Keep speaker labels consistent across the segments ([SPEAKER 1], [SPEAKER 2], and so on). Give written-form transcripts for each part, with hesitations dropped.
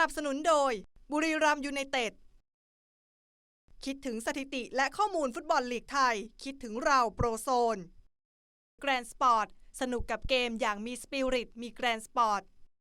[SPEAKER 1] นับสนุนโดยบุรีรัมย์ยูไนเต็ดคิดถึงสถิติและข้อมูลฟุตบอลลีกไทยคิดถึงเราโปรโซนแกรนด์สปอร์ตสนุกกับเกมอย่างมีสปิริตมีแกรนด์สปอร์ต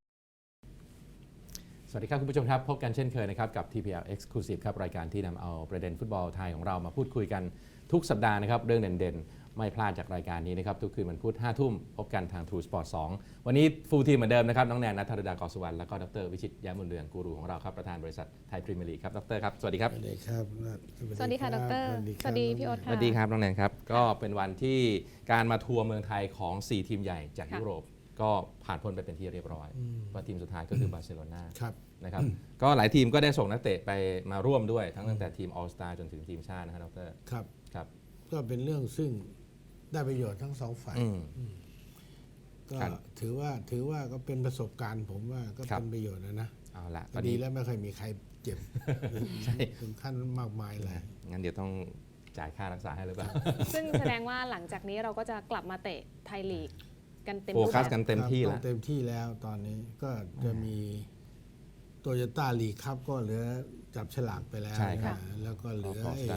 [SPEAKER 2] สวัสดีครับคุณผู้ชมครับพบกันเช่นเคยนะครับกับ TPL Exclusive ครับรายการที่นำเอาประเด็นฟุตบอลไทยของเรามาพูดคุยกันทุกสัปดาห์นะครับเรื่องเด่นๆไม่พลาดจากรายการนี้นะครับทุกคืนวันพุธ 5 ทุ่มพบกันทาง True Sport 2 วันนี้ฟูลทีมเหมือนเดิมนะครับน้องแนน ณัฐรดากรสุวรรณแล้วก็ดร.วิชิต แย้มบุญเรืองกูรูของเราครับประธานบริษัทไทยพรีเมียร์ลีกครับดร.ครับสวัสดีครับ
[SPEAKER 3] สวัสดีครับ
[SPEAKER 4] สวัสดีค่ะดร.สวัสดีพี่โอ๊ต
[SPEAKER 2] ส
[SPEAKER 4] ค่ะ
[SPEAKER 2] วัสดีครับน้องแนนครับก็เป็นวันที่การมาทัวร์เมืองไทยของ 4 ทีมใหญ่จากยุโรปก็ผ่านพ้นไปเป็นที่เรียบร้อยว่าทีมสุดท้ายก็คือบาร์เซโลนานะครับก็หลายทีมก็ได้ส่งนักเตะไปมาร่วมด้วยทั้งตั้งแต่ทีมออลสตาร์จนถึงทีมชาตินะครับดร.
[SPEAKER 3] ครับก็เป็นเรื่องซึ่งได้ประโยชน์ทั้งสองฝ่ายก็ถือว่าก็เป็นประสบการณ์ผมว่าก็เป็นประโยชน์นะ
[SPEAKER 2] เอาละ
[SPEAKER 3] ดีแล้วไม่เคยมีใครเจ็บถึงขั้นมากมายเลย
[SPEAKER 2] งั้นเดี๋ยวต้องจ่ายค่ารักษาให้หรือเปล่า
[SPEAKER 4] ซึ่งแสดงว่าหลังจากนี้เราก็จะกลับมาเตะไทยลีกกันเต็ม
[SPEAKER 2] โฟกัสกันเต็มที่แล้ว
[SPEAKER 3] เต็มที่แล้วตอนนี้ก็จะมีโตโยต้าลีกครับก็เหลือจับฉลากไปแล้วแล้วก็เหลือ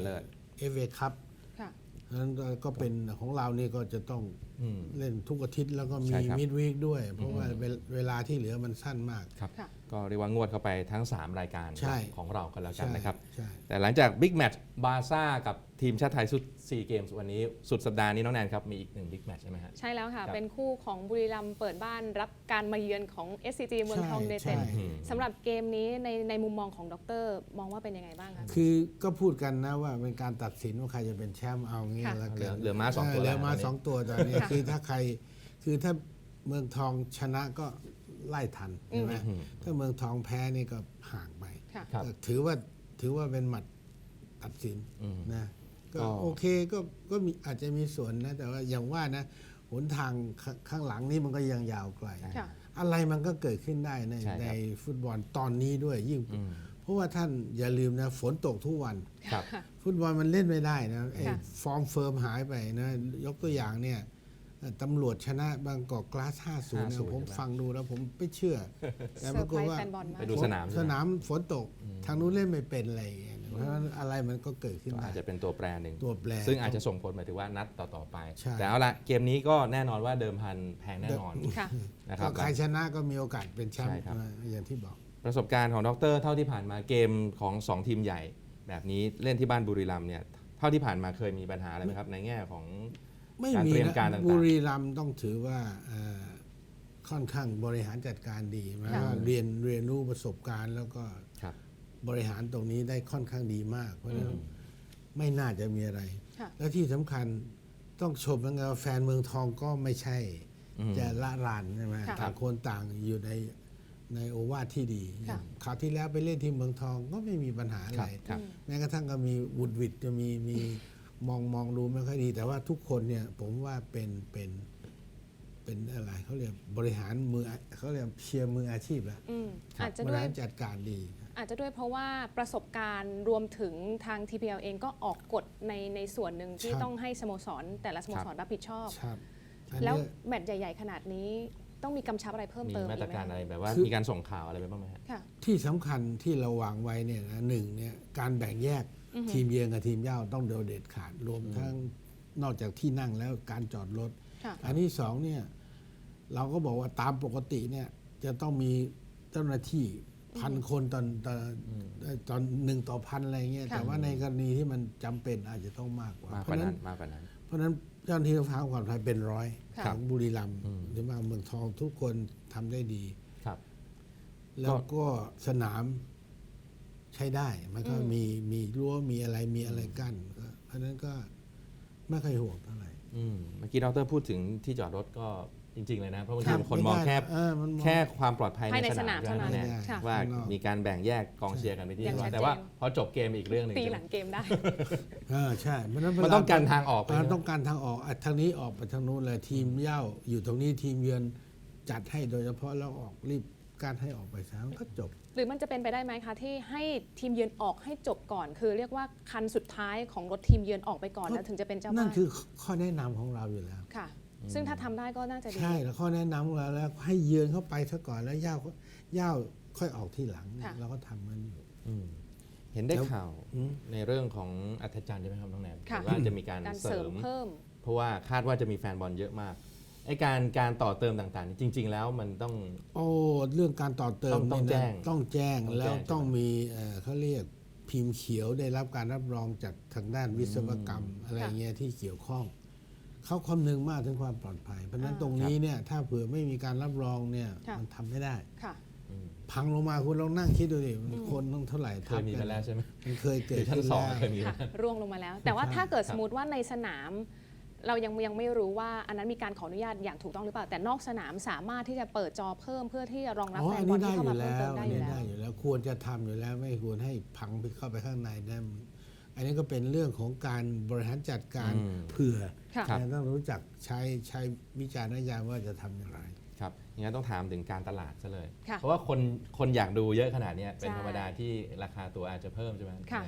[SPEAKER 3] FA คัพนั้นก็เป็นของเรานี่ก็จะต้องเล่นทุกอาทิตย์แล้วก็มีมิดวีคด้วยเพราะว่าเวลาที่เหลือมันสั้นมาก
[SPEAKER 2] ครับก็เรียกว่างวดเข้าไปทั้ง3รายการของเรากันแล้วกันนะครับ
[SPEAKER 3] แต่
[SPEAKER 2] หลังจากบิ๊กแมตช์บาร์ซ่ากับทีมชาติไทยสุด4เกมส์วันนี้สุดสัปดาห์นี้น้องแนนครับมีอีก1บิ๊กแมตช์ใช่ไหมฮะ
[SPEAKER 4] ใช่แล้วค่ะเป็นคู่ของบุรีรัมย์เปิดบ้านรับการมาเยือนของ SCG เมืองทองยูไนเต็ดสำหรับเกมนี้ในมุมมองของดร.มองว่าเป็นยังไงบ้างคะ
[SPEAKER 3] คือก็พูดกันนะว่าเป็นการตัดสินว่าใครจะเป็นแชมป์เอางี้แล้ว
[SPEAKER 2] เหลือม้า2ตัว
[SPEAKER 3] เหลือม้า2ตัวตอนนี้คือถ้าเมืองทองชนะก็ไล่ทันใช่ไหมถ้าเมืองทองแพ้นี่ก็ห่างไปถือว่าเป็นหมัดตัดสินนะก็โอเคก็มีอาจจะมีส่วนนะแต่ว่าอย่างว่านะหนทางข้างหลังนี่มันก็ยังยาวไกลอะไรมันก็เกิดขึ้นได้ในฟุตบอลตอนนี้ด้วยยิ่งเพราะว่าท่านอย่าลืมนะฝนตกทุกวันฟุตบอลมันเล่นไม่ได้นะฟอร์มเฟิร์มหายไปนะยกตัวอย่างเนี่ยตำรวจชนะบางกอกกลาส 5-0 นะผมฟังดูแล้วผมไม่เชื่อแต่ปรากฏว่า
[SPEAKER 2] ไปดูสนาม
[SPEAKER 3] ฝนตกทางนู้นเล่นไม่เป็นอะไรอย่างเงี้ยเพราะฉะนั้นอะไรมันก็เกิดขึ้น
[SPEAKER 2] อาจจะเป็นตัวแปรหนึ่ง
[SPEAKER 3] ซึ่
[SPEAKER 2] งอาจจะส่งผลหมายถึงว่านัดต่อไปแต่เอาละเกมนี้ก็แน่นอนว่าเดิมพันแพงแน่นอน
[SPEAKER 3] นะครับใครชนะก็มีโอกาสเป็นแชมป์อย่างที่บอก
[SPEAKER 2] ประสบการณ์ของดร.เท่าที่ผ่านมาเกมของ2ทีมใหญ่แบบนี้เล่นที่บ้านบุรีรัมย์เนี่ยเท่าที่ผ่านมาเคยมีปัญหาอะไรไหมครับในแง่ของ
[SPEAKER 3] การเตรียมการต่างๆบุรีรัมย์ต้องถือว่าค่อนข้างบริหารจัดการดีนะเรียนรู้ประสบการณ์แล้วก็บริหารตรงนี้ได้ค่อนข้างดีมากเพราะฉะนั้นไม่น่าจะมีอะไรและที่สำคัญต้องชมนะแฟนเมืองทองก็ไม่ใช่จะละลานใช่ไหมต่างคนต่างอยู่ในโอวาทที่ดีคราวที่แล้วไปเล่นที่เมืองทองก็ไม่มีปัญหาอะไรแม้กระทั่งก็มีวุดวิดจะมีมองดูไม่ค่อยดีแต่ว่าทุกคนเนี่ยผมว่าเป็นอะไรเขาเรียกบริหารมือเขาเรียกเชียร์มืออาชีพแล้วบริหารจัดการดี
[SPEAKER 4] อาจจะด้วยเพราะว่าประสบการณ์รวมถึงทาง TPL เองก็ออกกฎในส่วนหนึ่งที่ต้องให้สโมสรแต่ละสโมสรรับผิดชอบแล้วแมตช์ใหญ่ๆขนาดนี้ต้องมีกำชับอะไรเพิ่มเติม
[SPEAKER 2] มีมาตรการอะไรแบบว่ามีการส่งข่าวอะไรไปบ้างไหมครับ
[SPEAKER 3] ที่สำคัญที่เราวางไว้เนี่ยนะ1เนี่ยการแบ่งแยกทีมเยือนกับทีมเย่าต้องเด็ดขาดรวมทั้งนอกจากที่นั่งแล้วการจอดรถอันที่2เนี่ยเราก็บอกว่าตามปกติเนี่ยจะต้องมีเจ้าหน้าที่1,000 คนตอน1 ต่อ 1,000อะไรเงี้ยแต่ว่าในกรณีที่มันจำเป็นอาจจะต้องมากกว่าเพราะฉะนั้นเจ้าหน้าที่รักษาความปลอดภัยเป็นร้อยของบุรีรัมย์หรือว่าเมืองทองทุกคนทำได้ดีแล้วก็สนามใช้ได้มันก็มีรั้วมีอะไรกั้นเพราะนั้นก็ไม่ค่อยห่วงเท่าไหร่
[SPEAKER 2] เมื่อกี้ดร.พูดถึงที่จอดรถก็จริงๆเลยนะเพราะบางทีคนมองแค่ความปลอดภัยในสนามเท่านั้นว่ามีการแบ่งแยกกองเชียร์กันไปที่เรียบร้อยแต่ว่าพอจบเกมอีกเรื่องนึง
[SPEAKER 4] ตีหลังเกมได้
[SPEAKER 3] ใช่
[SPEAKER 2] มันต้องการทางออก
[SPEAKER 3] ต้องการทางออกทางนี้ออกไปทางนู้นเลยทีมเย่าอยู่ตรงนี้ทีมเยือนจัดให้โดยเฉพาะแล้วออกรีบการให้ออกไปซะก็จบ
[SPEAKER 4] หรือมันจะเป็นไปได้ไหมคะที่ให้ทีมเยือนออกให้จบก่อนคือเรียกว่าคันสุดท้ายของรถทีมเยือนออกไปก่อนแล้วถึงจะเป็นเจ้าบ้าน
[SPEAKER 3] นั่นคือข้อแนะนำของเราอยู่แล้ว
[SPEAKER 4] ค่ะซึ่งถ้าทำได้ก็น่าจะดี
[SPEAKER 3] ใช่แล้วข้อแนะนำของเราแล้วให้เยือนเข้าไปซะก่อนแล้วย่าค่อยออกที่หลัง
[SPEAKER 4] ค่ะ
[SPEAKER 3] เราก็ทำมันอยู่
[SPEAKER 2] เห็นได้
[SPEAKER 3] แล้ว
[SPEAKER 2] ข่าว ในเรื่องของอัธจันทร์ใช่ไหมครับน้องแนน
[SPEAKER 4] ค่ะ
[SPEAKER 2] ว่าจะมีการ
[SPEAKER 4] การ
[SPEAKER 2] เส
[SPEAKER 4] เส
[SPEAKER 2] ริ
[SPEAKER 4] ริม
[SPEAKER 2] ม
[SPEAKER 4] เพิ่ม
[SPEAKER 2] เพราะว่าคาดว่าจะมีแฟนบอลเยอะมากไอ้การต่อเติมต่างๆ จริง ๆ แล้วมันต้อง
[SPEAKER 3] โอ้เรื่องการต่อเติม
[SPEAKER 2] ต้อง
[SPEAKER 3] เนี่ยนะ
[SPEAKER 2] แจ้ง
[SPEAKER 3] ต้องแจ้ง
[SPEAKER 2] ต้องแจ้ง
[SPEAKER 3] แล้วต้อง
[SPEAKER 2] ใช่ไหม
[SPEAKER 3] มีเขาเรียกพิมพ์เขียวได้รับการรับรองจากทางด้านวิศวกรรมอะไรเงี้ยที่เกี่ยวข้องเขาคำนึงมากถึงความปลอดภัย เพราะฉะนั้น
[SPEAKER 4] อ่า
[SPEAKER 3] ตรงนี้เนี่ยถ้าเผื่อไม่มีการรับรองเนี่ย
[SPEAKER 4] ค่ะ
[SPEAKER 3] มันทำไม่ได้
[SPEAKER 4] ค่ะ
[SPEAKER 3] พังลงมาคุณลองนั่งคิดดูดิคนต้องเท่าไหร่
[SPEAKER 2] เคยมีมาแล้วใช่ไหม
[SPEAKER 3] มันเคยเกิด
[SPEAKER 2] ชั้น
[SPEAKER 3] ขึ้น
[SPEAKER 2] สอง
[SPEAKER 3] แล้ว
[SPEAKER 2] เคยมี
[SPEAKER 4] ค่ะ
[SPEAKER 2] มา
[SPEAKER 4] ร่วงลงมาแล้ว แต่ว่า
[SPEAKER 3] ใช่
[SPEAKER 4] ถ้าเกิดสมมติว่าในสนาม เรายังไม่รู้ว่าอันนั้นมีการขออนุญาตอย่างถูกต้องหรือเปล่า แต่นอกสนามสามารถที่จะเปิดจอเพิ่มเพื่อที่จะรองรับ
[SPEAKER 3] อ๋อ
[SPEAKER 4] แฟ
[SPEAKER 3] อั
[SPEAKER 4] น
[SPEAKER 3] น
[SPEAKER 4] บอ
[SPEAKER 3] นี้
[SPEAKER 4] ล
[SPEAKER 3] ได้
[SPEAKER 4] ที่
[SPEAKER 3] อ
[SPEAKER 4] เข้ามา
[SPEAKER 3] ยู่
[SPEAKER 4] เพิ่ม
[SPEAKER 3] แล้
[SPEAKER 4] เติ
[SPEAKER 3] ว
[SPEAKER 4] มได้
[SPEAKER 3] อัน
[SPEAKER 4] อ
[SPEAKER 3] นี้
[SPEAKER 4] ยู่แล้ว
[SPEAKER 3] ได้อยู่แล้วควรจะทำอยู่แล้วไม่ควรให้พังเข้าไปข้างในได้อันนี้ก็เป็นเรื่องของการบริหารจัดการ
[SPEAKER 2] อืม
[SPEAKER 3] เผื่อ
[SPEAKER 4] ค่ะ
[SPEAKER 2] ครับ
[SPEAKER 3] ต้องรู้จักใช้วิจารณญาณว่าจะทำอย่างไร
[SPEAKER 2] ครับงั้นต้องถามถึงการตลาดซะเลย
[SPEAKER 4] ค่ะ
[SPEAKER 2] เพราะว่าคนอยากดูเยอะขนาดเนี้ยเป็น
[SPEAKER 4] ใช่
[SPEAKER 2] ธรรมดาที่ราคาตั๋วอาจจะเพิ่มใช่ไหม
[SPEAKER 4] ค่ะ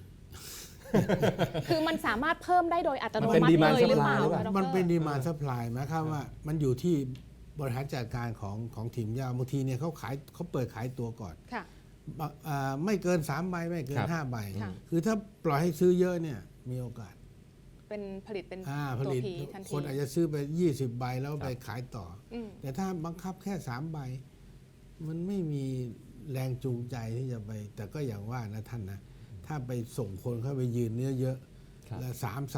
[SPEAKER 4] คือมันสามารถเพิ่มได้โดยอัตโน
[SPEAKER 2] มันเป็น
[SPEAKER 4] มัติ
[SPEAKER 2] demand
[SPEAKER 4] เลยหรือเปล่า
[SPEAKER 2] supply หรือเปล่า
[SPEAKER 4] คะดร
[SPEAKER 3] มันเป็นดีมานด์ซัพพลายหมายความว่ามันอยู่ที่บริหารจัดการของทีมยาวบางทีเนี่ยเขาเปิดขายตัวก่อน
[SPEAKER 4] ค่ะ
[SPEAKER 3] ไม่เกิน3 ใบไม่เกิ
[SPEAKER 2] ครั
[SPEAKER 3] น
[SPEAKER 2] บ
[SPEAKER 3] 5 ใบ
[SPEAKER 4] ค่ะ
[SPEAKER 3] คือถ้าปล่อยให้ซื้อเยอะเนี่ยมีโอกาส
[SPEAKER 4] เป็นผลิตเป็น
[SPEAKER 3] ผ
[SPEAKER 4] ตัว
[SPEAKER 3] ลิต
[SPEAKER 4] พีทันที
[SPEAKER 3] คนอาจจะซื้อไป20 ใบแล้วไปขายต่อ
[SPEAKER 4] อืม
[SPEAKER 3] แต่ถ้าบังคับแค่3 ใบ มันไม่มีแรงจูงใจที่จะไป แต่ก็อย่างว่านะท่านนะ ถ้าไปส่งคนเข้าไปยืนเยอะ
[SPEAKER 2] ครับ
[SPEAKER 3] ๆแล้ว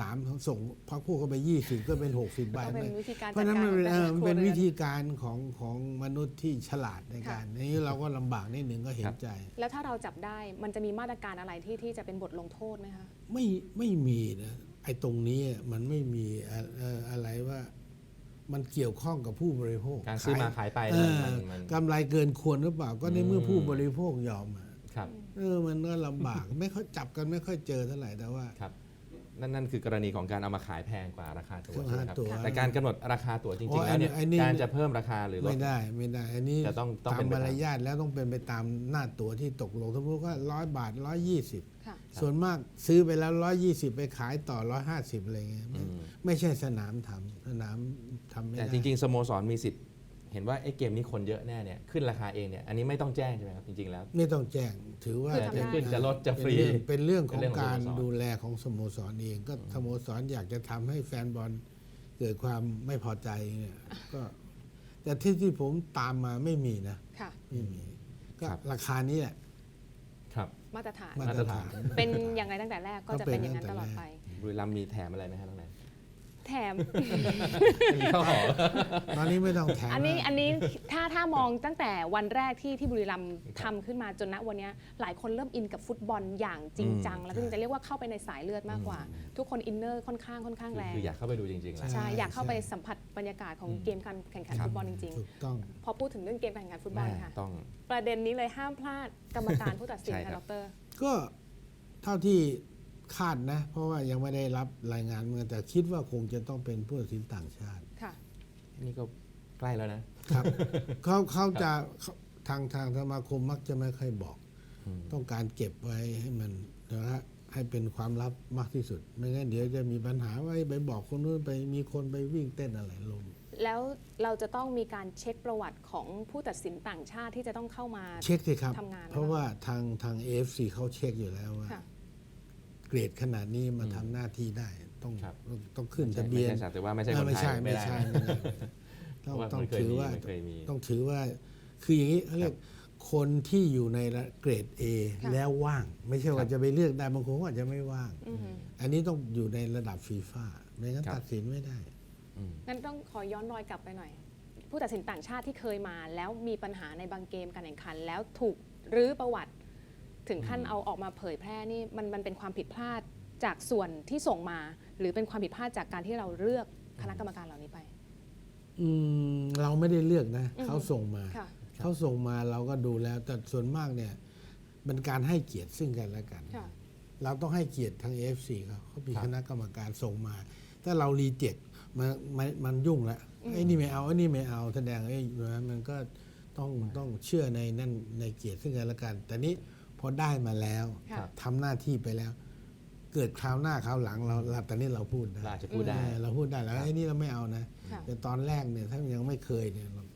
[SPEAKER 3] 3ส่งพักพวกเข้าไป20ก็เป็น60 ใบ
[SPEAKER 4] ก็เป็นวิธีการ
[SPEAKER 3] เพราะฉะนั้นมันเป็น
[SPEAKER 4] จัดการของแต่ละ
[SPEAKER 3] มันเป็น
[SPEAKER 4] ครัวเรือน
[SPEAKER 3] วิธีการของมนุษย์ที่ฉลาดในการนี้เราก็ลำบากนิดหนึ่งก็เห็
[SPEAKER 2] ครั
[SPEAKER 3] น
[SPEAKER 2] บ
[SPEAKER 3] ใจ
[SPEAKER 4] แล้วถ้าเราจับได้มันจะมีมาตรการอะไรที่จะเป็นบทลงโทษไหมคะ
[SPEAKER 3] ไม่มีนะไอ้ตรงนี้มันไม่มีอะไรว่ามันเกี่ยวข้องกับผู้บริโภค
[SPEAKER 2] การซื้อมาขายไป
[SPEAKER 3] เออ
[SPEAKER 2] มัน
[SPEAKER 3] กำไรเกินควรหรือเปล่า ก็ในเมื่อผู้บริโภคยอมอะ
[SPEAKER 2] ครับ
[SPEAKER 3] มันก็ลำบาก ไม่ค่อยจับกันไม่ค่อยเจอเท่าไหร่แต่ว่า
[SPEAKER 2] ครับนั่นคือกรณีของการเอามาขายแพงกว่าราคาตั๋ว
[SPEAKER 3] รา
[SPEAKER 2] ใช่ไห
[SPEAKER 3] คาม
[SPEAKER 2] ครับ
[SPEAKER 3] ตั๋ว
[SPEAKER 2] แต่การกำหนดราคาตั๋วจ
[SPEAKER 3] อ๋
[SPEAKER 2] ริ
[SPEAKER 3] อง
[SPEAKER 2] ๆแล้วเนี่ย
[SPEAKER 3] อันนี้
[SPEAKER 2] การจะเพิ่มราคาหรือลด
[SPEAKER 3] ไม่ได้อันนี้
[SPEAKER 2] จะต้อง
[SPEAKER 3] ตา
[SPEAKER 2] เป็
[SPEAKER 3] ม
[SPEAKER 2] นไป
[SPEAKER 3] มา
[SPEAKER 2] ตาม
[SPEAKER 3] รยาทแล้วต้องเป็นไปตามหน้าตั๋วที่ตกลงสมมติว่า100 บาท 120
[SPEAKER 4] ค่ะ
[SPEAKER 3] ส่วนมากซื้อไปแล้ว120ไปขายต่อ150อะไรเงี้ยไม่ใช่สนามทำไม่
[SPEAKER 2] แต่
[SPEAKER 3] ได้
[SPEAKER 2] จริงๆสโมสรมีสิทธิ์เห็นว่าไอ้เกมนี้คนเยอะแน่เนี่ยขึ้นราคาเองเนี่ยอันนี้ไม่ต้องแจ้งใช่ไหมครับจริงๆแล้ว
[SPEAKER 3] ไม่ต้องแจ้งถือว่า
[SPEAKER 4] คือทำได้
[SPEAKER 2] จะขึ้นจะลดจะฟรี
[SPEAKER 3] เป็นเรื่องของ
[SPEAKER 2] เป็นเรื่องของ
[SPEAKER 3] การ
[SPEAKER 2] สโมสร
[SPEAKER 3] ดูแลของสโมสรเองก็สโมสรอยากจะทำให้แฟนบอลเกิดความไม่พอใจเนี่ยก็แต่ที่ผมตามมาไม่มีนะ
[SPEAKER 4] ค่ะ
[SPEAKER 3] ไม่มีก็
[SPEAKER 2] ครับ
[SPEAKER 3] ราคานี้แหละ
[SPEAKER 2] ครับ
[SPEAKER 4] มาตรฐาน
[SPEAKER 3] มาตรฐาน
[SPEAKER 4] เป็นอย่างไรตั้งแต่แรกก็จะเป็นอย่างนั้นตลอดไป
[SPEAKER 2] บุรีรัมย์มีแถมอะไรไหมฮะน้องแนน
[SPEAKER 4] แถม
[SPEAKER 2] มีข้าวหอม
[SPEAKER 3] ตอนนี้ไม่ต้องแถม
[SPEAKER 4] อันนี้
[SPEAKER 3] แล้ว
[SPEAKER 4] อันนี้ถ้ามองตั้งแต่วันแรกที่บุรีรัมย์ทำขึ้นมาจนณวันนี้หลายคนเริ่มอินกับฟุตบอลอย่างจริงจัง แล้วก็จริงจะเรียกว่าเข้าไปในสายเลือดมากกว่า ทุกคนอินเนอร์ค่อนข้างแรง
[SPEAKER 2] คืออยากเข้าไปดูจริงๆแหละ
[SPEAKER 4] ใช่อยากเข้าไปสัมผัสบรรยากาศของเกมการแข่งขัน
[SPEAKER 2] ครับ
[SPEAKER 4] ฟุตบอลจริง
[SPEAKER 3] ถูกต้อง
[SPEAKER 4] ๆ พอพูดถึงเรื่องเกมการแข่งขันฟุตบอล
[SPEAKER 2] แม่
[SPEAKER 4] ค่ะ
[SPEAKER 2] ต้อง
[SPEAKER 4] ประเด็นนี้เลยห้ามพลาดกรรมการผู้ตัดสิน
[SPEAKER 2] ใช่
[SPEAKER 4] ค่ะ
[SPEAKER 2] ครั
[SPEAKER 4] ด
[SPEAKER 2] บ
[SPEAKER 4] ร
[SPEAKER 3] ก็เท่าที่คาดนะ เพราะว่ายังไม่ได้รับรายงานมาแต่คิดว่าคงจะต้องเป็นผู้ตัดสินต่างชาติ
[SPEAKER 4] ค่ะ
[SPEAKER 2] นี่ก็ใกล้แล้วนะ
[SPEAKER 3] ครับ เขาจะทางสมาคมมักจะไม่ค่อยบอก ต้องการเก็บไว้ให้มันนะฮะให้เป็นความลับมากที่สุด ไม่งั้นเดี๋ยวจะมีปัญหาว่าไปบอกคนนู้นไปมีคนไปวิ่งเต้นอะไรลง
[SPEAKER 4] แล้วเราจะต้องมีการเช็คประวัติของผู้ตัดสินต่างชาติที่จะต้องเข้ามา
[SPEAKER 3] เช็คสิครับ
[SPEAKER 4] ทำงาน
[SPEAKER 3] เพราะว่าทาง AFC เขาเช็คอยู่แล้วว่า
[SPEAKER 4] ค่ะ
[SPEAKER 3] เกรดขนาดนี้มาทำหน้าที่ได้ต้อง
[SPEAKER 2] ครับ
[SPEAKER 3] ต้องขึ้น
[SPEAKER 2] ไม่ใช่
[SPEAKER 3] ทะเบียน
[SPEAKER 2] ไม่ใช่แต่ว่าไม่ใช่คน
[SPEAKER 3] ไม่
[SPEAKER 2] ไท
[SPEAKER 3] ใช่
[SPEAKER 2] ยไม่
[SPEAKER 3] ไม่
[SPEAKER 2] ได้
[SPEAKER 3] ใช่
[SPEAKER 2] นะ
[SPEAKER 3] ไม่ได้
[SPEAKER 2] เพราะว่า
[SPEAKER 3] ต้อง
[SPEAKER 2] มันเคย
[SPEAKER 3] ถือ
[SPEAKER 2] มี
[SPEAKER 3] ว่า
[SPEAKER 2] มันเคยมี
[SPEAKER 3] ต้องถือว่าคืออย่างนี้เขาเรียกคนที่อยู่ในเกรด A
[SPEAKER 4] ค่ะ
[SPEAKER 3] แล้วว่าง ไม่ใช่ว่าจะไปเลือกได้บางคนก็อาจจะไม่ว่าง
[SPEAKER 4] อือหือ
[SPEAKER 3] อันนี้ต้องอยู่ในระดับฟีฟ่าไม่งั้น
[SPEAKER 2] ครับ
[SPEAKER 3] ตัดสินไม่ได้
[SPEAKER 4] งั้นต้องขอย้อนรอยกลับไปหน่อย ผู้ตัดสินต่างชาติที่เคยมา แล้วมีปัญหาในบางเกมการแข่งขัน แล้วถูกรื้อประวัติ ถึงขั้นเอาออกมาเผยแพร่นี่มันเป็นความผิดพลาดจากส่วนที่ส่งมา หรือเป็นความผิดพลาดจากการที่เราเลือกคณะกรรมการเหล่านี้ไป
[SPEAKER 3] เราไม่ได้เลือกนะ
[SPEAKER 4] อือฮึ
[SPEAKER 3] เขาส่งมา
[SPEAKER 4] ค่ะ
[SPEAKER 3] เขาส่งมาเราก็ดูแล้ว แต่ส่วนมากเนี่ยเป็นการให้เกียรติซึ่งกันและกัน
[SPEAKER 4] ค่ะ
[SPEAKER 3] เราต้องให้เกียรติทาง AFC เขามี
[SPEAKER 2] ครับ
[SPEAKER 3] คณะกรรมการส่งมา ถ้าเรารีเจ็คมันยุ่งละไอ้นี่ไม่เอาไอ้นี่ไม่เอาแสดงมันก็ต้องเชื่อในนั่นในเกียรติซึ่งกันและกัน แต่นี้พอได้มาแล้ว
[SPEAKER 4] ค่ะ
[SPEAKER 3] ทำหน้าที่ไปแล้ว เกิดคราวหน้าคราวหลังเราตอนนี้เราพูดได้
[SPEAKER 2] เราอาจจะพูดได้
[SPEAKER 3] เราพูดได้แล้วไอ้นี่เราไม่เอานะ
[SPEAKER 4] ค่ะ
[SPEAKER 3] แต่ตอนแรกเนี่ยถ้ายังไม่เคยเนี่ยเราก็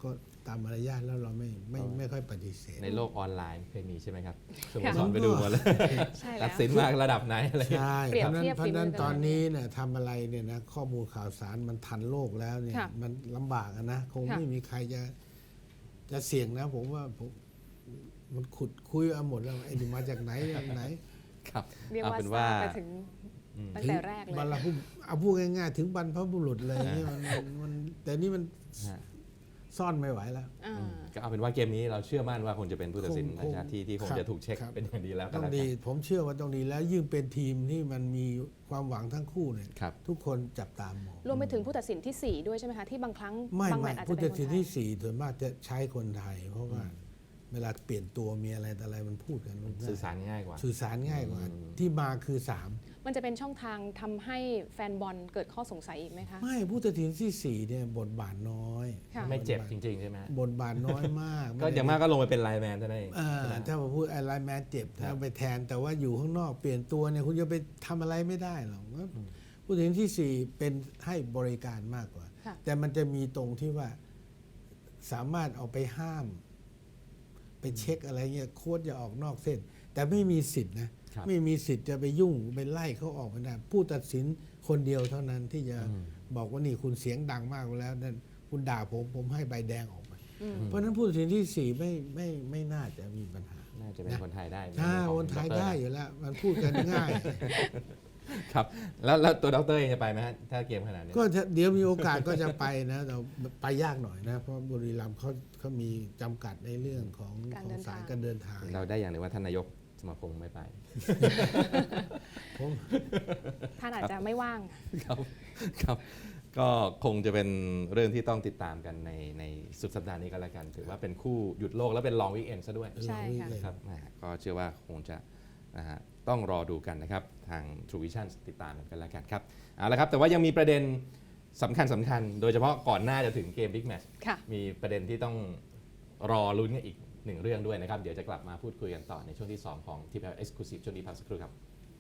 [SPEAKER 3] ตามมารยาทแล้วเราไม่ค่อยปฏิเสธ
[SPEAKER 2] ในโลกออนไลน์เคยมีใช่ไหมครับสโม
[SPEAKER 4] ค่ะ
[SPEAKER 2] สรไปดูหมาเลย
[SPEAKER 4] ใช่
[SPEAKER 2] ตั
[SPEAKER 4] แล้
[SPEAKER 2] ด
[SPEAKER 4] ว
[SPEAKER 2] สินมาระดับไหนอะไร
[SPEAKER 3] ใช่
[SPEAKER 4] เปรียบเทียบ
[SPEAKER 3] เพราะฉะนั้น
[SPEAKER 4] ฝีมือกัน
[SPEAKER 3] ตอนนี้เนี่ยทำอะไรเนี่ยนะข้อมูลข่าวสารมันทันโลกแล้วเนี่ย
[SPEAKER 4] ค่ะ
[SPEAKER 3] มันลำบากอะนะคง
[SPEAKER 4] ค่ะ
[SPEAKER 3] ไม่มีใครจะเสี่ยงนะผมว่ามันขุดคุยเอาหมดแล้วไอ้นี่มาจากไหนจากไหน
[SPEAKER 2] ครับ
[SPEAKER 4] เรียก
[SPEAKER 2] เอา
[SPEAKER 4] ว่า
[SPEAKER 2] เป็น
[SPEAKER 4] ท
[SPEAKER 2] ว่า
[SPEAKER 4] ราบไปถึงตั้งแต่แรกเลย
[SPEAKER 3] บรรพบุเอาพูดง่ายๆถึงบรรพบุรุษเลยเนี่ยมันแต่นี่มัน
[SPEAKER 2] ฮะ
[SPEAKER 3] ซ่อนไม่ไหวแล้ว
[SPEAKER 4] อ่า
[SPEAKER 2] ก็เอาเป็นว่าเกมนี้เราเชื่อมั่นว่าคงจะเป็นผู้ตัดสิน
[SPEAKER 3] คง
[SPEAKER 2] ต่างชาติที่คง
[SPEAKER 3] ครับ
[SPEAKER 2] จะถูกเช็ค
[SPEAKER 3] ครับ
[SPEAKER 2] เป็นอย่างดีแล้วก็
[SPEAKER 3] ต้อง
[SPEAKER 2] แล้ว
[SPEAKER 3] ดี
[SPEAKER 2] กัน
[SPEAKER 3] ผมเชื่อว่าต้องดีแล้วยิ่งเป็นทีมที่มันมีความหวังทั้งคู่เนี่ย
[SPEAKER 2] ครับ
[SPEAKER 3] ทุกคนจับตามอง
[SPEAKER 4] รวมไปถึงผู้ตัดสินที่ 4 ด้วยใช่ไหมคะ ที่บางครั้ง
[SPEAKER 3] ไม่
[SPEAKER 4] บางแม
[SPEAKER 3] ไม่
[SPEAKER 4] ตช์อาจจะ
[SPEAKER 3] ผู้
[SPEAKER 4] เป็
[SPEAKER 3] ตั
[SPEAKER 4] น
[SPEAKER 3] ด
[SPEAKER 4] คน
[SPEAKER 3] สิน
[SPEAKER 4] ไทย
[SPEAKER 3] ที่สี่ส่วนมากจะใช้คนไทย เพราะว่าเวลาเปลี่ยนตัวมีอะไรแต่อะไรมันพูดกันรู้
[SPEAKER 2] สื่อสารง่ายกว่า
[SPEAKER 3] สื่อสารง่ายกว่าที่มาคือสาม
[SPEAKER 4] มันจะเป็นช่องทางทำให้แฟนบอลเกิดข้อสงสัยอีกไหมคะ
[SPEAKER 3] ไม่ผู้ตัดสินที่สี่เนี่ยบทบาทน้อย
[SPEAKER 4] ค่ะ
[SPEAKER 2] ไม่เจ็บจริง ๆ ใช่ไหมฮะ
[SPEAKER 3] บทบาทน้อยมาก
[SPEAKER 2] ก็อย่างมากก็ลงไปเป็นไลน์แมนเท่านั้นเอง
[SPEAKER 3] ถ้ามาพูดไอ้ไลน์แมนเจ็บ
[SPEAKER 2] ครั
[SPEAKER 3] ถ้า
[SPEAKER 2] บ
[SPEAKER 3] ไปแทนแต่ว่าอยู่ข้างนอกเปลี่ยนตัวเนี่ยคุณจะไปทำอะไรไม่ได้หรอกผู้ตัดสินที่สี่เป็นให้บริการมากกว่า
[SPEAKER 4] ค่ะ
[SPEAKER 3] แต่มันจะมีตรงที่ว่าสามารถเอาไปห้าม ไปเช็คอะไรเงี้ยโค้ชอย่าออกนอกเส้น แต่ไม่มีสิทธินะครับ ไม่มีสิทธิ์จะไปยุ่งไปไล่เขาออกไม่ได้ผู้ตัดสินคนเดียวเท่านั้นที่จะบอกว่านี่คุณเสียงดังมากแล้วนั่นคุณด่าผมให้ใบแดงออกไปเพราะฉะนั้นผู้ตัดสินที่สี่ไม่น่าจะมีปัญหา
[SPEAKER 2] น่าจะเป็นคนไทยได้
[SPEAKER 3] ถ้า
[SPEAKER 2] ของ
[SPEAKER 3] คนไทย
[SPEAKER 2] ดร
[SPEAKER 3] ได้อยู่แล้ว มันพูดกันง่าย
[SPEAKER 2] ครับแล้วตัวดรเองจะไปไหมฮะถ้าเกมขนาดนี้
[SPEAKER 3] ก็เดี๋ยวมีโอกาสก็จะไปนะแต่ไปยากหน่อยนะ เพราะบุรีรัมย์เขามีจำกัดในเรื่องของ
[SPEAKER 4] การ
[SPEAKER 3] ขอ
[SPEAKER 4] เดิ
[SPEAKER 3] ง
[SPEAKER 4] น
[SPEAKER 3] สาย
[SPEAKER 4] ทาง
[SPEAKER 3] การเดินทาง
[SPEAKER 2] เราได้อย่างหนึ่งว่าท่านนายกสมาคมไม่ไป
[SPEAKER 3] ผม
[SPEAKER 4] ท่านอาจจะไม่ว่าง
[SPEAKER 2] ครับครับก็คงจะเป็นเรื่องที่ต้องติดตามกันในสุดสัปดาห์นี้ก็แล้วกัน ถือว่าเป็นคู่หยุดโลกและเป็นลองวีคเอนซะด้วย
[SPEAKER 4] ใช่ค่ะ
[SPEAKER 2] ครับแหมก็เชื่อว่าคงจะนะฮะต้องรอดูกันนะครับ ทาง True Vision ติดตามกันแล้วกันครับเอาละครับแต่ว่ายังมีประเด็นสำคัญโดยเฉพาะก่อนหน้าจะถึงเกมบิ๊กแมตช์
[SPEAKER 4] ค่ะ
[SPEAKER 2] มีประเด็นที่ต้องรอลุ้นกันอีกหนึ่งเรื่องด้วยนะครับ เดี๋ยวจะกลับมาพูดคุยกันต่อในช่วงที่ 2 ของ TPL Exclusive ช่วงนี้พักสักครู่ครับ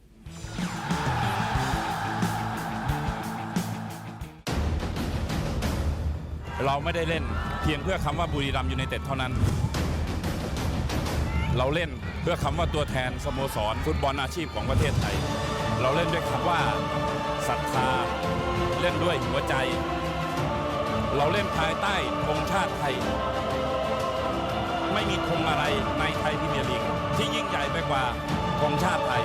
[SPEAKER 5] เราไม่ได้เล่นเพียงเพื่อคำว่าบุรีรัมย์ยูไนเต็ดเท่านั้น เราเล่นเพื่อคำว่าตัวแทนสโมสรฟุตบอลอาชีพของประเทศไทย เราเล่นด้วยคำว่าศรัทธาเล่นด้วยหัวใจ เราเล่นภายใต้ธงชาติไทย ไม่มีธงอะไรในไทยพรีเมียร์ลีกที่ยิ่งใหญ่ไปกว่าธงชาติไทย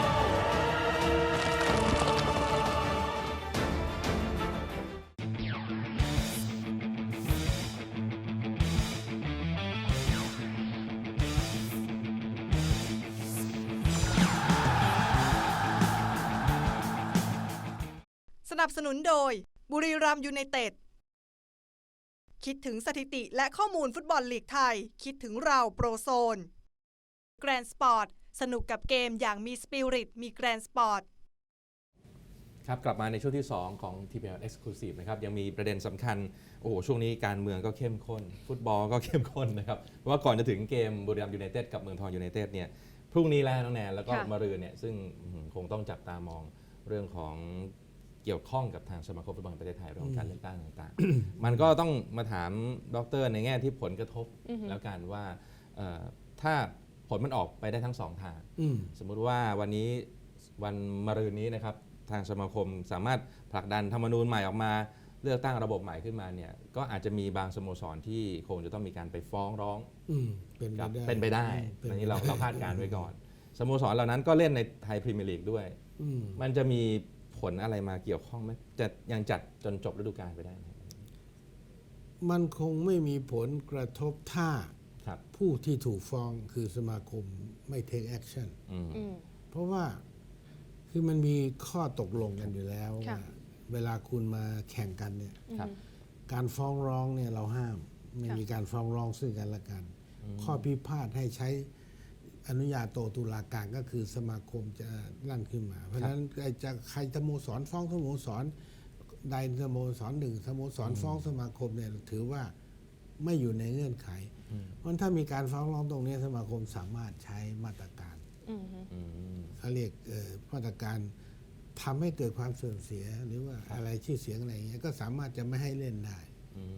[SPEAKER 1] สนับสนุนโดยบุรีรัมย์ยูไนเต็ด คิดถึงสถิติและข้อมูลฟุตบอลลีกไทย คิดถึงเราโปรโซน แกรนสปอร์ต สนุกกับเกมอย่างมีสปิริต มีแกรนสปอร์ต
[SPEAKER 2] ครับกลับมาในช่วงที่ 2 ของ TPL Exclusive นะครับยังมีประเด็นสำคัญโอ้โหช่วงนี้การเมืองก็เข้มข้น ฟุตบอลก็เข้มข้นนะครับเพราะว่าก่อนจะถึงเกมบุรีรัมย์ยูไนเต็ดกับเมืองทองยูไนเต็ดเนี่ยพรุ่งนี้แล้วน้องแนนแล้วก็
[SPEAKER 4] ค่ะ
[SPEAKER 2] มะรืนเนี่ยซึ่งคงต้องจับตามองเรื่องของเกี่ยวข้องกับทางสมาคมฟุตบอลแห่งประเทศไทยเรื่องของการเลือกตั้งต่างๆ มันก็ต้องมาถามดรในแง่ที่ผลกระทบแล้วกันว่าถ้าผลมันออกไปได้ทั้งสองทาง สมมุติว่าวันนี้วันมะรืนนี้นะครับทางสมาคมสามารถผลักดันธรรมนูญใหม่ออกมาเลือกตั้งระบบใหม่ขึ้นมาเนี่ยก็อาจจะมีบางสโมสรที่คงจะต้องมีการไปฟ้องร้อง เป็นไปได้อันนี้เราคาดการณ์ไว้ก่อนสโมสรเหล่านั้นก็เล่นในไทยพรีเมียร์ลีกด้วย มันจะมีผลอะไรมาเกี่ยวข้องไหมจะยังจัดจนจบฤดูกาลไปได้ไหม
[SPEAKER 3] มันคงไม่มีผลกระทบถ้า
[SPEAKER 2] ครับ
[SPEAKER 3] ผู้ที่ถูกฟ้องคือสมาคมไม่ take action
[SPEAKER 2] อืม
[SPEAKER 4] อืม
[SPEAKER 3] เพราะว่าคือมันมีข้อตกลงกันอยู่แล้ว
[SPEAKER 4] ค่ะ
[SPEAKER 3] ว่าเวลาคุณมาแข่งกันเนี่ย
[SPEAKER 2] ครับ
[SPEAKER 3] การฟ้องร้องเนี่ยเราห้าม ไม่
[SPEAKER 4] ค่ะ
[SPEAKER 3] มีการฟ้องร้องซึ่งกันและกัน ข้อพิพาทให้ใช้อนุญาโตตุลาการก็คือสมาคมจะลั่นขึ้นมา เพราะฉะนั้นจะใครสโมสรฟ้องสโมสรใดสโมสรหนึ่งสโมสรฟ้องสมาคมเนี่ยถือว่าไม่อยู่ในเงื่อนไข เพราะถ้ามีการฟ้องร้องตรงนี้สมาคมสามารถใช้มาตรการ
[SPEAKER 4] อืม
[SPEAKER 2] อืม
[SPEAKER 3] เขาเรียกมาตรการทำให้เกิดความเสื่อมเสียหรือว่าอะไรชื่อเสียงอะไรอย่างเงี้ยก็สามารถจะไม่ให้เล่นได้
[SPEAKER 2] อืม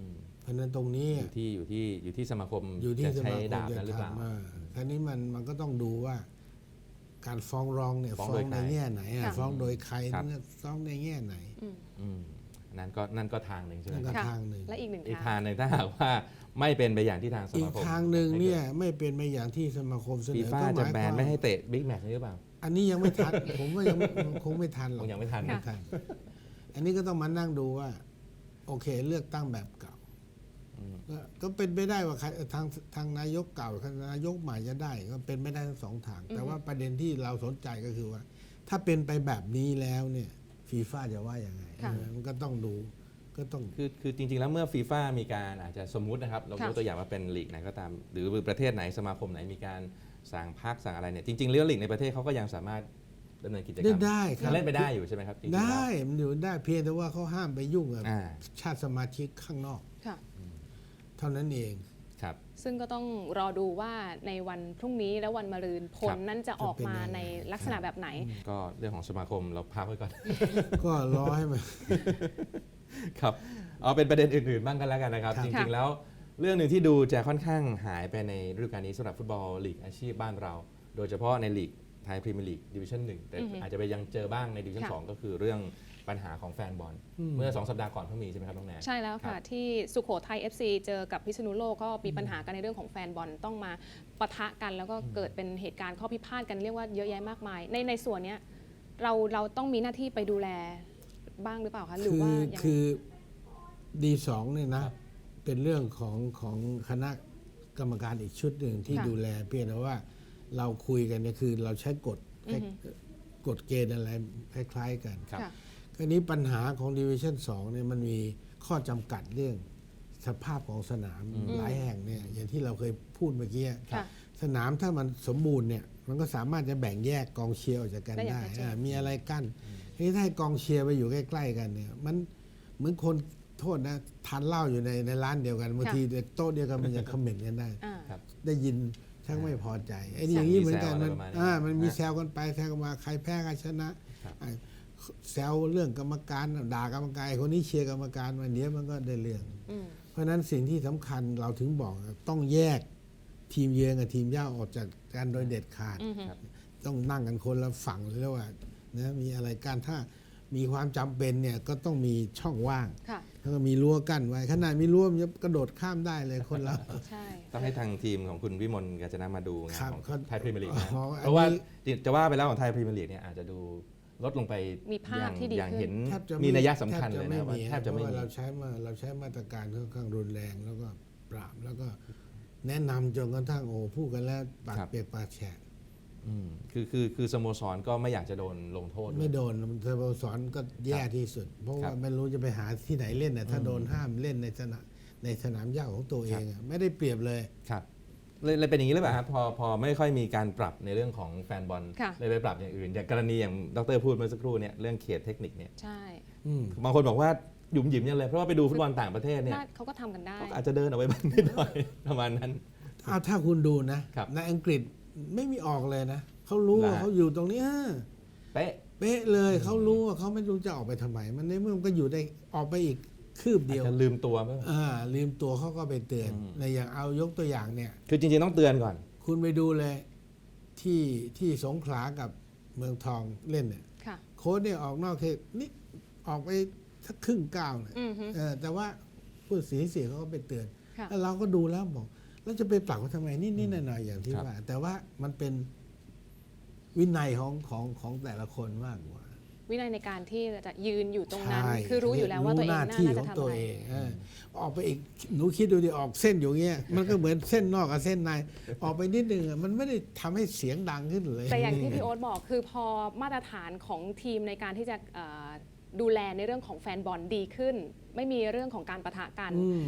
[SPEAKER 3] เพราะฉะนั้นตรงนี้
[SPEAKER 2] อยู่ที่สมาคม
[SPEAKER 3] อยู่ที่
[SPEAKER 2] จะ
[SPEAKER 3] ส
[SPEAKER 2] ใช้
[SPEAKER 3] มาคม
[SPEAKER 2] ดาบ
[SPEAKER 3] จะ
[SPEAKER 2] นั้นหรือเปล่า
[SPEAKER 3] ทำทีนี้มันก็ต้องดูว่า การฟ้องร้องเนี่ย
[SPEAKER 2] ฟ้อง
[SPEAKER 3] ฟ้อ
[SPEAKER 2] โด
[SPEAKER 3] ง
[SPEAKER 2] ย
[SPEAKER 3] ใน
[SPEAKER 2] ใคร
[SPEAKER 3] แง่ไหน
[SPEAKER 4] ค่ะ
[SPEAKER 3] ฟ้องโดยใคร
[SPEAKER 2] ครับ
[SPEAKER 3] ฟ้องในแง่ไหน
[SPEAKER 2] อืมนั่นก็ทางหนึ่งใช่ไหม
[SPEAKER 3] นั่น
[SPEAKER 2] ค
[SPEAKER 3] ก็
[SPEAKER 2] รับ
[SPEAKER 4] ค่ะ
[SPEAKER 3] ทางหนึ่ง
[SPEAKER 4] และอีกหนึ่ง
[SPEAKER 2] อีก
[SPEAKER 4] ทา
[SPEAKER 2] ทาง งหนึ่งถ้าหากว่าไม่เป็นไปอย่างที่ทางส
[SPEAKER 3] อี
[SPEAKER 2] มาก คม
[SPEAKER 3] ทางหนึ่งเนี่ยไม่เป็นไปอย่างที่สมาคมเสน
[SPEAKER 2] ฟี
[SPEAKER 3] อ
[SPEAKER 2] ฟ่า
[SPEAKER 3] ก็ห
[SPEAKER 2] จะ
[SPEAKER 3] มาย
[SPEAKER 2] แบ
[SPEAKER 3] ความ
[SPEAKER 2] นไม่ให้เตะบิ๊กแมตช์นี้หรือเปล่า
[SPEAKER 3] อันนี้ยังไม่ทัน ผมว่ายังคงไม่ทันหร
[SPEAKER 2] ค
[SPEAKER 3] อก
[SPEAKER 2] งยังไม่ทัน
[SPEAKER 3] ไม่ทัน อันนี้ก็ต้องมานั่งดูว่า โอเคเลือกตั้งแบบเก่า ก็เป็นไปได้ว่าใครทางนายกเก่านายกใหม่จะได้ ก็เป็นไม่ได้ทั้งสองทาง แต่ว่าประเด็นที่เราสนใจก็คือว่า ถ้าเป็นไปแบบนี้แล้วเนี่ยฟีฟ่าจะว่ายังไง
[SPEAKER 4] ค่ะ
[SPEAKER 3] มันก็ต้องดูก็ต้อง
[SPEAKER 2] คือจริงๆแล้วเมื่อฟีฟ่ามีการอาจจะสมมุตินะครับเรายกตัวอย่างว่าเป็นลีกไหนก็ตาม หรือประเทศไหนสมาคมไหนมีการสั่งพักสั่งอะไรเนี่ยจริงๆเรื่องลีกในประเทศเขาก็ยังสามารถดำเนินกิจกรรม
[SPEAKER 3] ได้ครับ
[SPEAKER 2] ยังเล่นไปได้อยู่ใช่ไหมครับจริงๆแล้ว
[SPEAKER 3] ได้มันอยู่ได้เพียงแต่ว่าเขาห้ามไปยุ่งกับ
[SPEAKER 2] อ่า
[SPEAKER 3] ชาติสมาชิกข้างนอก
[SPEAKER 4] ค่ะ
[SPEAKER 3] เท่านั้นเอง
[SPEAKER 2] ครับ
[SPEAKER 4] ซึ่งก็ต้องรอดูว่าในวันพรุ่งนี้และวันมะรืนผลนั้นจะออกมาในลักษณะแบบไหน
[SPEAKER 2] ก็เรื่องของสมาคมเราพักไว้ก่อน
[SPEAKER 3] ก็รอให้มัน
[SPEAKER 2] ครับเอาเป็นประเด็นอื่นๆบ้างกันแล้วกันนะครับ
[SPEAKER 3] ครับ
[SPEAKER 2] จริงๆแล้วเรื่องหนึ่งที่ดูจะค่อนข้างหายไปในฤดูกาลนี้สำหรับฟุตบอลลีกอาชีพบ้านเรา โดยเฉพาะในลีกไทยพรีเมียร์ลีกดิวิชั่น1แต่อาจจะไปยังเจอบ้างในดิวิชั่น
[SPEAKER 4] ค่ะ
[SPEAKER 2] 2ก็คือเรื่องปัญหาของแฟนบอลเมื่อ2 สัปดาห์ก่อนเพิ่งมีใช่ไหมครับน้องแนน
[SPEAKER 4] ใช่แล้ว
[SPEAKER 2] ครั
[SPEAKER 4] ค่ะ
[SPEAKER 2] บ
[SPEAKER 4] ที่สุโขทัย FC เจอกับพิษณุโลกก็มีปัญหากันในเรื่องของแฟนบอลต้องมาปะทะกัน แล้วก็เกิดเป็นเหตุการณ์ข้อพิพาทกันเรียกว่าเยอะแยะมากมาย ในส่วนเนี้ยเราต้องมีหน้าที่ไปดูแลบ้างหรือเปล่าคะหรือว่ายังไง
[SPEAKER 3] คือดีสองเนี่ยนะ เป็นเรื่องของคณะกรรมการอีกชุดหนึ่งที่
[SPEAKER 4] ค่ะ
[SPEAKER 3] ดูแลเพียงแต่ว่าเราคุยกันเนี่ยคือเราใช้กฎ
[SPEAKER 4] อือฮึ
[SPEAKER 3] กฎเกณฑ์อะไรคล้ายๆกัน
[SPEAKER 2] ครับ
[SPEAKER 4] ค่ะ
[SPEAKER 3] คราวนี้ปัญหาของดิวิชั่น2เนี่ยมันมีข้อจำกัดเรื่องสภาพของสนามหลายแห่งเนี่ยอย่างที่เราเคยพูดเมื่อกี้
[SPEAKER 4] ค่ะ
[SPEAKER 3] สนามถ้ามันสมบูรณ์เนี่ยมันก็สามารถจะแบ่งแยกกองเชียร์ออกจากกัน
[SPEAKER 4] ได้อย่าง
[SPEAKER 3] ได้
[SPEAKER 4] ชัดเจน
[SPEAKER 3] มีอะไรกั้นทีนี้ถ้าให้กองเชียร์ไปอยู่ใกล้ๆกันเนี่ยมันเหมือนคนโทษนะทานเหล้าอยู่ในร้านเดียวกันบางทีโต๊ะเดียวกันมันจะคอมเมนต์กันได้
[SPEAKER 4] อ่า
[SPEAKER 2] ครับ
[SPEAKER 3] ได้ยินชักไม่พอใจไอ้นี่อย่างนี้เหมือนกัน
[SPEAKER 2] มี
[SPEAKER 3] มัน
[SPEAKER 2] แซวอะไรประมาณนี้
[SPEAKER 3] มันมี
[SPEAKER 2] นะ
[SPEAKER 3] แซวกันไปแซวกันมาใครแพ้ใครชนะครับ ไอ้แซวเรื่องกรรมการด่ากรรมการไอ้คนนี้เชียร์กรรมการวันนี้มันก็ได้เรื่อง
[SPEAKER 4] อืม
[SPEAKER 3] เพราะฉะนั้นสิ่งที่สำคัญเราถึงบอกต้องแยกทีมเยือนกับทีมเย่าออกจากกันโดยเด็ดขาด
[SPEAKER 4] อือฮึ
[SPEAKER 3] ต้องนั่งกันคนละฝั่งเลยแล้วว่านะมีอะไรกันถ้ามีความจำเป็นเนี่ยก็ต้องมีช่องว่าง
[SPEAKER 4] ค่ะ
[SPEAKER 3] แล้วก็มีรั้วกั้นไว้ขนาดมีรั้วมันจะกระโดดข้ามได้เลยคนเรา
[SPEAKER 4] ใช่
[SPEAKER 2] ต้องให้ทางทีมของคุณวิมลกาญจนะมาดูงาน
[SPEAKER 3] ครับ
[SPEAKER 2] ของไทยพรีเมียร์ลีกนะ
[SPEAKER 3] อ๋อ
[SPEAKER 2] เพราะว่า
[SPEAKER 3] อันนี้
[SPEAKER 2] จะว่าไปแล้วของไทยพรีเมียร์ลีกเนี่ยอาจจะดูลดลงไป
[SPEAKER 4] มีภาพที่ดี
[SPEAKER 2] อย่าง
[SPEAKER 4] ขึ้น
[SPEAKER 2] เห็น
[SPEAKER 3] แทบจะ
[SPEAKER 2] มีนัยสำคัญเลย
[SPEAKER 3] ไม่
[SPEAKER 2] นะว่า
[SPEAKER 3] มี
[SPEAKER 2] แทบจะไม่
[SPEAKER 3] เพรา
[SPEAKER 2] มี
[SPEAKER 3] ว่าเราใช้มาตรการค่อนข้างรุนแรงแล้วก็ปราบแล้วก็แนะนำจนกระทั่งโอ้พูดกันแล้วปากเปียกปากแฉะ
[SPEAKER 2] คือสโมสรก็ไม่อยากจะโดนลงโทษ
[SPEAKER 3] ไม่โดนสโมสรก็แย่ที่สุด เพราะ
[SPEAKER 2] ครั
[SPEAKER 3] ว่า
[SPEAKER 2] บ
[SPEAKER 3] ไม่รู้จะไปหาที่ไหนเล่นน่ะถ้าโดนห้ามเล่นในสนามหญ้าของตัวเองอะไม่ได้เปรียบเลย
[SPEAKER 2] ครับเลยเป็นอย่างนี้หรือเปล่าครับพอไม่ค่อยมีการปรับในเรื่องของแฟนบอล
[SPEAKER 4] ค่ะ
[SPEAKER 2] เลยไปปรับอย่างอื่นอย่างกรณีอย่างดรพูดเมื่อสักครู่เนี่ยเรื่องเขตเทคนิคเนี่ย
[SPEAKER 4] ใช่
[SPEAKER 3] อืม
[SPEAKER 2] บางคนบอกว่าหยุมหยิมยังเลยเพราะว่าไปดูฟุตบอลต่างประเทศเนี่ย
[SPEAKER 4] น่าเขาก็ทำกันได้
[SPEAKER 2] เขาอาจจะเดินออกไปบ้างนิดหน่อย ประมาณนั้น
[SPEAKER 3] เอาถ้าคุณดูนะครับ ในอังกฤษไม่มีออกเลยนะเขารู้ว่า
[SPEAKER 2] นะ
[SPEAKER 3] เขาอยู่ตรงนี้
[SPEAKER 2] เป๊ะ
[SPEAKER 3] เป๊ะเลยเขารู้ว่าเขาไม่รู้จะออกไปทำไมมันในเมื่อมันก็อยู่ได้ออกไปอีกคืบ
[SPEAKER 2] อาจ
[SPEAKER 3] เดียว
[SPEAKER 2] จะลืมตัวบ้าง
[SPEAKER 3] ลืมตัวเขาก็ไปเตือน
[SPEAKER 2] อืม
[SPEAKER 3] ในอย่างเอายกตัวอย่างเนี่ย
[SPEAKER 2] คือจริงๆต้องเตือนก่อน
[SPEAKER 3] คุณไปดูเลยที่สงขลากับเมืองทองเล่นเนี่ย
[SPEAKER 4] ค่ะ
[SPEAKER 3] โค้ชเนี่ยออกนอกเขตนี่ออกไปสักครึ่งก้าวเนี่ย
[SPEAKER 4] อือฮึ
[SPEAKER 3] แต่ว่าผู้เสียเขาก็ไปเตือน
[SPEAKER 4] ค่ะ
[SPEAKER 3] แล้วเราก็ดูแล้วบอกแล้วจะไปปรับเขาทำไมนิดๆหน่อยๆอย่างที่
[SPEAKER 2] ครับ
[SPEAKER 3] ว่า แต่ว่ามันเป็นวินัยของแต่ละคนมากกว่า
[SPEAKER 4] วินัยในการที่จะยืนอยู่ตรงนั้น
[SPEAKER 3] ใช่
[SPEAKER 4] คือรู้อยู่แล้วว่าตัวเอง
[SPEAKER 3] หน้า
[SPEAKER 4] น่า
[SPEAKER 3] ที่
[SPEAKER 4] จะ
[SPEAKER 3] ของ
[SPEAKER 4] ทำ
[SPEAKER 3] ตัว
[SPEAKER 4] อะไร
[SPEAKER 3] เองออกไปอีกหนูคิดดูดิออกเส้นอยู่เงี้ยมันก็เหมือนเส้นนอกกับเส้นในออกไปนิดนึงอะมันไม่ได้ทำให้เสียงดังขึ้นเลย
[SPEAKER 4] แต่อย่างที่พี่โอ๊ตบอกคือพอมาตรฐานของทีมในการที่จะดูแลในเรื่องของแฟนบอลดีขึ้น ไม่มีเรื่องของการปะทะกัน
[SPEAKER 3] อืม